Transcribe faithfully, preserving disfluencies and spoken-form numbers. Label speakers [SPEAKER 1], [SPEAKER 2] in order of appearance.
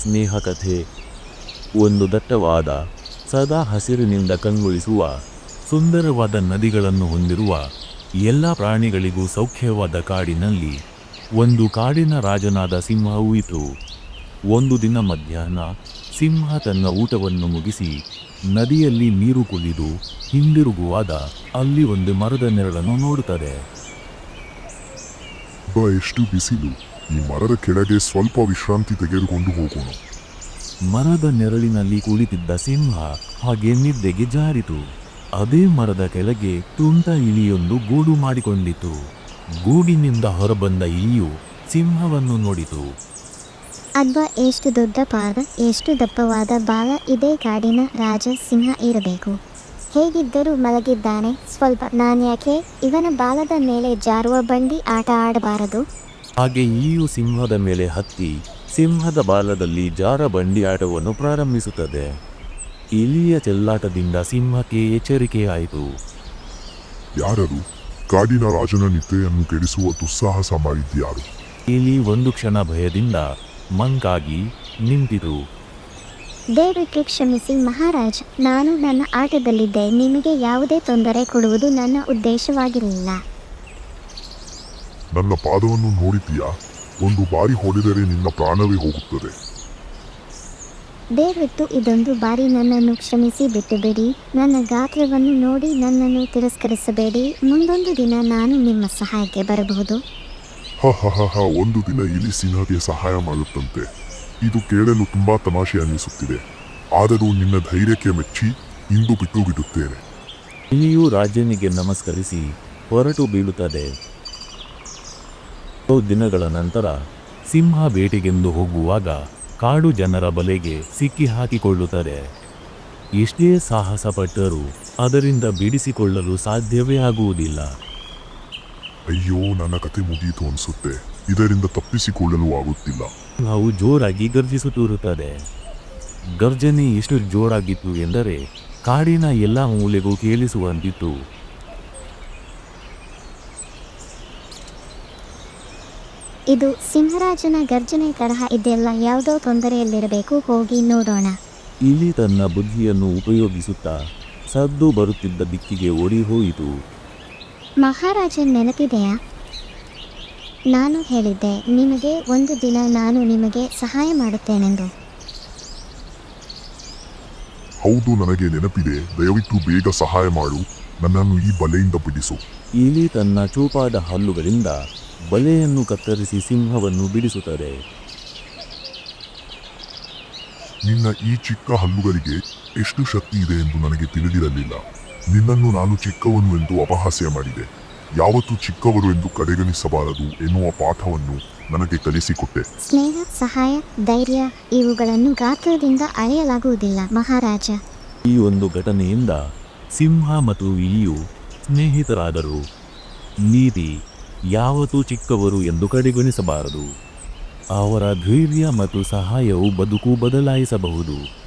[SPEAKER 1] ಸ್ನೇಹ ಕಥೆ. ಒಂದು ದಟ್ಟವಾದ, ಸದಾ ಹಸಿರಿನಿಂದ ಕಂಗೊಳಿಸುವ, ಸುಂದರವಾದ ನದಿಗಳನ್ನು ಹೊಂದಿರುವ, ಎಲ್ಲ ಪ್ರಾಣಿಗಳಿಗೂ ಸೌಖ್ಯವಾದ ಕಾಡಿನಲ್ಲಿ ಒಂದು ಕಾಡಿನ ರಾಜನಾದ ಸಿಂಹವೂ ಇತ್ತು. ಒಂದು ದಿನ ಮಧ್ಯಾಹ್ನ ಸಿಂಹ ತನ್ನ ಊಟವನ್ನು ಮುಗಿಸಿ ನದಿಯಲ್ಲಿ ನೀರು ಕುಡಿದು ಹಿಂದಿರುಗುವಾಗ ಅಲ್ಲಿ ಒಂದು ಮರದ ನೆರಳನ್ನು ನೋಡುತ್ತದೆ.
[SPEAKER 2] ಬಾ, ಎಷ್ಟು ಬಿಸಿಲು, ಈ ಮರದ ಕೆಳಗೆ ಸ್ವಲ್ಪ ವಿಶ್ರಾಂತಿ ತೆಗೆದುಕೊಂಡು ಹೋಗೋಣ.
[SPEAKER 1] ಮರದ ನೆರಳಿನಲ್ಲಿ ಕುಳಿತಿದ್ದ ಸಿಂಹ ಹಾಗೆ ನಿದ್ದೆಗೆ ಜಾರಿತು. ಅದೇ ಮರದ ಕೆಳಗೆ ತುಂಟ ಇಲಿಯೊಂದು ಗೂಡು ಮಾಡಿಕೊಂಡಿತು. ಗೂಡಿನಿಂದ ಹೊರಬಂದ ಇಲಿಯು ಸಿಂಹವನ್ನು ನೋಡಿತು.
[SPEAKER 3] ಅಬ್ಬಾ, ಎಷ್ಟು ದೊಡ್ಡ ಪಾದ, ಎಷ್ಟು ದಪ್ಪವಾದ ಬಾಲ. ಇದೇ ಕಾಡಿನ ರಾಜ ಸಿಂಹ ಇರಬೇಕು. ಹೇಗಿದ್ದರೂ ಮಲಗಿದ್ದಾನೆ. ಸ್ವಲ್ಪ ನಾನ್ಯಾಕೆ ಇವನ ಬಾಲದ ಮೇಲೆ ಜಾರುವ ಬಂಡಿ ಆಟ ಆಡಬಾರದು?
[SPEAKER 1] ಹಾಗೆ ಇಲಿಯು ಸಿಂಹದ ಮೇಲೆ ಹತ್ತಿ ಸಿಂಹದ ಬಾಲದಲ್ಲಿ ಜಾರ ಬಂಡಿ ಆಟವನ್ನು ಪ್ರಾರಂಭಿಸುತ್ತದೆ. ಇಲಿಯ ಚೆಲ್ಲಾಟದಿಂದ ಸಿಂಹಕ್ಕೆ ಎಚ್ಚರಿಕೆಯಾಯಿತು.
[SPEAKER 2] ಯಾರದು? ಕಾಡಿನ ರಾಜನ ನಿದ್ರೆಯನ್ನು ಕೆಡಿಸುವ ದುಸ್ಸಾಹಸ ಮಾಡಿದ್ಯಾರು?
[SPEAKER 1] ಇಲಿ ಒಂದು ಕ್ಷಣ ಭಯದಿಂದ ಮಂಕಾಗಿ ನಿಂತಿತು.
[SPEAKER 3] ದಯವಿಟ್ಟು ಕ್ಷಮಿಸಿ ಮಹಾರಾಜ, ನಾನು ನನ್ನ ಆಟದಲ್ಲಿದ್ದೆ. ನಿಮಗೆ ಯಾವುದೇ ತೊಂದರೆ ಕೊಡುವುದು ನನ್ನ ಉದ್ದೇಶವಾಗಿರಲಿಲ್ಲ.
[SPEAKER 2] ನನ್ನ ಪಾದವನ್ನು ನೋಡಿದ್ದೀಯಾ? ಒಂದು ಬಾರಿ ಹೊಡೆದರೆ ನಿನ್ನ ಪ್ರಾಣವೇ ಹೋಗುತ್ತದೆ.
[SPEAKER 3] ದಯವಿಟ್ಟು ಇದೊಂದು ಬಾರಿ ನನ್ನನ್ನು ಕ್ಷಮಿಸಿ ಬಿಟ್ಟುಬಿಡಿ. ನನ್ನ ಗಾತ್ರವನ್ನು ನೋಡಿ ನನ್ನನ್ನು ತಿರಸ್ಕರಿಸಬೇಡಿ. ಮುಂದೊಂದು ದಿನ ನಾನು ನಿಮ್ಮ ಸಹಾಯಕ್ಕೆ ಬರಬಹುದು.
[SPEAKER 2] ಹ ಹ ಹ ಹ ಒಂದು ದಿನ ಇಲಿ ಸಿಂಹಕ್ಕೆ ಸಹಾಯ ಮಾಡುತ್ತಂತೆ. ಇದು ಕೇಳಲು ತುಂಬಾ ತಮಾಷೆ ಅನ್ನಿಸುತ್ತಿದೆ. ಆದರೂ ನಿನ್ನ ಧೈರ್ಯಕ್ಕೆ ಮೆಚ್ಚಿ ಇಂದು ಬಿಟ್ಟು ಬಿಡುತ್ತೇನೆ.
[SPEAKER 1] ಇಲಿಯು ರಾಜನಿಗೆ ನಮಸ್ಕರಿಸಿ ಹೊರಟು ಬೀಳುತ್ತದೆ. ಕೆಲವು ದಿನಗಳ ನಂತರ ಸಿಂಹ ಬೇಟೆಗೆಂದು ಹೋಗುವಾಗ ಕಾಡು ಜನರ ಬಲೆಗೆ ಸಿಕ್ಕಿ ಹಾಕಿಕೊಳ್ಳುತ್ತದೆ. ಎಷ್ಟೇ ಸಾಹಸ ಪಟ್ಟರೂ ಅದರಿಂದ ಬಿಡಿಸಿಕೊಳ್ಳಲು ಸಾಧ್ಯವೇ ಆಗುವುದಿಲ್ಲ.
[SPEAKER 2] ಅಯ್ಯೋ, ನನ್ನ ಕತೆ ಮುಗಿಯಿತು ಅನಿಸುತ್ತೆ. ಇದರಿಂದ ತಪ್ಪಿಸಿಕೊಳ್ಳಲು ಆಗುತ್ತಿಲ್ಲ.
[SPEAKER 1] ಸಿಂಹವು ಜೋರಾಗಿ ಗರ್ಜಿಸುತ್ತಿರುತ್ತದೆ. ಗರ್ಜನೆ ಎಷ್ಟು ಜೋರಾಗಿತ್ತು ಎಂದರೆ ಕಾಡಿನ ಎಲ್ಲ ಮೂಲೆಗೂ ಕೇಳಿಸುವಂತಿತ್ತು.
[SPEAKER 3] ಇದು ಸಿಂಹರಾಜನ ಗರ್ಜನೆ ತರಹ ಇದೆಲ್ಲ. ಯಾವುದೋ ತೊಂದರೆಯಲ್ಲಿರಬೇಕು, ಹೋಗಿ ನೋಡೋಣ.
[SPEAKER 1] ಇಲಿ ತನ್ನ ಬುದ್ಧಿಯನ್ನು ಉಪಯೋಗಿಸುತ್ತಾ ಸದ್ದು ಬರುತ್ತಿದ್ದ ದಿಕ್ಕಿಗೆ ಓಡಿ ಹೋಯಿತು.
[SPEAKER 3] ಮಹಾರಾಜನ್ ನೆನಪಿದೆಯಾ? ನಾನು ಹೇಳಿದ್ದೆ ನಿಮಗೆ ಒಂದು ದಿನ ನಾನು ನಿಮಗೆ ಸಹಾಯ ಮಾಡುತ್ತೇನೆಂದು.
[SPEAKER 2] ಹೌದು, ನನಗೆ ನೆನಪಿದೆ. ದಯವಿಟ್ಟು ಬೇಗ ಸಹಾಯ ಮಾಡು. ನನ್ನನ್ನು ಈ ಬಲೆಯಿಂದ ಬಿಡಿಸು.
[SPEAKER 1] ಇಲಿ ತನ್ನ ಚೂಪಾದ ಹಲ್ಲುಗಳಿಂದ ಬಲೆಯನ್ನು ಕತ್ತರಿಸಿ ಸಿಂಹವನ್ನು ಬಿಡಿಸುತ್ತದೆ.
[SPEAKER 2] ನಿನ್ನ ಈ ಚಿಕ್ಕ ಹಲ್ಲುಗಳಿಗೆ ಎಷ್ಟು ಶಕ್ತಿ ಇದೆ ಎಂದು ನನಗೆ ತಿಳಿದಿರಲಿಲ್ಲ. ನಿನ್ನನ್ನು ನಾನು ಚಿಕ್ಕವನು ಎಂದು ಅಪಹಾಸ್ಯ ಮಾಡಿದೆ. ಯಾವತ್ತೂ ಚಿಕ್ಕವರು ಎಂದು ಕಡೆಗಣಿಸಬಾರದು ಎನ್ನುವ ಪಾಠವನ್ನು ನನಗೆ ಕಲಿಸಿಕೊಟ್ಟೆ.
[SPEAKER 3] ಸ್ನೇಹ, ಸಹಾಯ, ಧೈರ್ಯ ಇವುಗಳನ್ನು ಗಾತ್ರದಿಂದ ಅಳೆಯಲಾಗುವುದಿಲ್ಲ ಮಹಾರಾಜ.
[SPEAKER 1] ಈ ಒಂದು ಘಟನೆಯಿಂದ ಸಿಂಹ ಮತ್ತು ಇಲಿಯು ಸ್ನೇಹಿತರಾದರು. ನೀತಿ, ಯಾವತ್ತೂ ಚಿಕ್ಕವರು ಎಂದು ಕಡೆಗಣಿಸಬಾರದು. ಅವರ ಧೈರ್ಯ ಮತ್ತು ಸಹಾಯವು ಬದುಕು ಬದಲಾಯಿಸಬಹುದು.